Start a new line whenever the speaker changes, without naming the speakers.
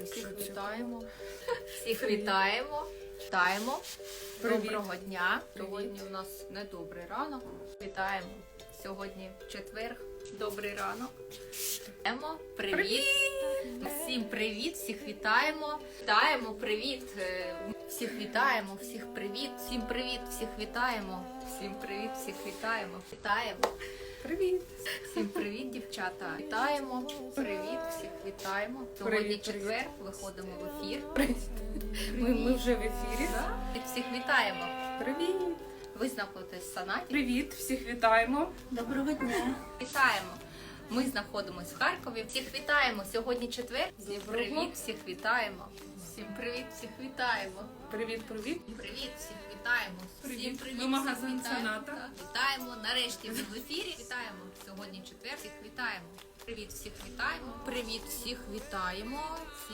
Всіх вітаємо. Всіх вітаємо. Вітаємо. Доброго дня. Сьогодні у нас недобрий ранок. Вітаємо. Сьогодні четвер. Добрий ранок. Привіт. Всім привіт, всіх вітаємо. Вітаємо, привіт. Всіх вітаємо, всіх привіт. Всім привіт, всіх вітаємо. Всім привіт, всіх вітаємо. Вітаємо.
Привіт!
Всім привіт, дівчата! Вітаємо! Привіт, всіх вітаємо! Сьогодні
Привіт,
четвер, виходимо в ефір.
Ми вже в ефірі.
Да? Всіх вітаємо!
Привіт!
Ви знаходитесь в санаті.
Привіт! Всіх вітаємо!
Доброго дня! Вітаємо! Ми знаходимося в Харкові. Всіх вітаємо! Сьогодні четвер. Всім привіт, всіх вітаємо! Всім привіт, всіх вітаємо!
Привіт, привіт!
Привіт, всіх вітаємо! Всім
Привіт.
привіт,
Ми магазин
всіх вітаємо.
Соната.
Так, вітаємо! Нарешті ми в ефірі. Вітаємо! Сьогодні четвер, всіх вітаємо! Привіт, всіх вітаємо! Привіт, всіх вітаємо!